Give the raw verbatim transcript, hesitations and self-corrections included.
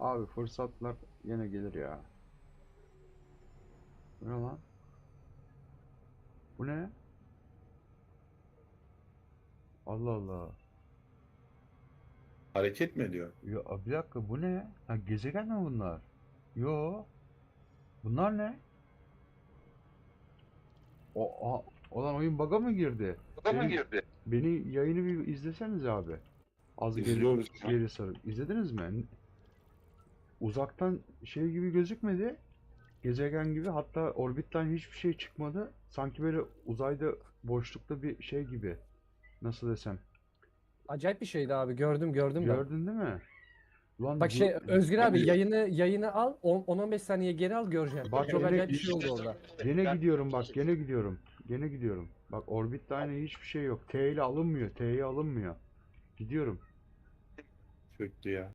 Abi fırsatlar yine gelir ya. Bu ne lan? Bu ne? Allah Allah. Hareket mi ediyor? Ya, bir dakika bu ne? Ha, gezegen mi bunlar? Yo. Bunlar ne? O, a, olan oyun bug'a mı girdi? Buna mı Benim girdi? beni yayını bir izleseniz abi. Az geri İzliyoruz şu an. geri sarıp izlediniz mi? Uzaktan şey gibi gözükmedi. Gezegen gibi, hatta orbitten hiçbir şey çıkmadı. Sanki böyle uzayda boşlukta bir şey gibi. Nasıl desem? Acayip bir şeydi abi. Gördüm gördüm ben. Gördün değil mi? Ulan Bak du- şey Özgür abi Oluyor. yayını yayını al. on on beş saniye geri al göreceksin. Bak Çok gene acayip bir şey oldu orada. gene gidiyorum, bak gene gidiyorum. Gene gidiyorum. Bak orbitte aynı hiçbir şey yok. T ile alınmıyor. T'ye alınmıyor. Gidiyorum. Çöktü ya.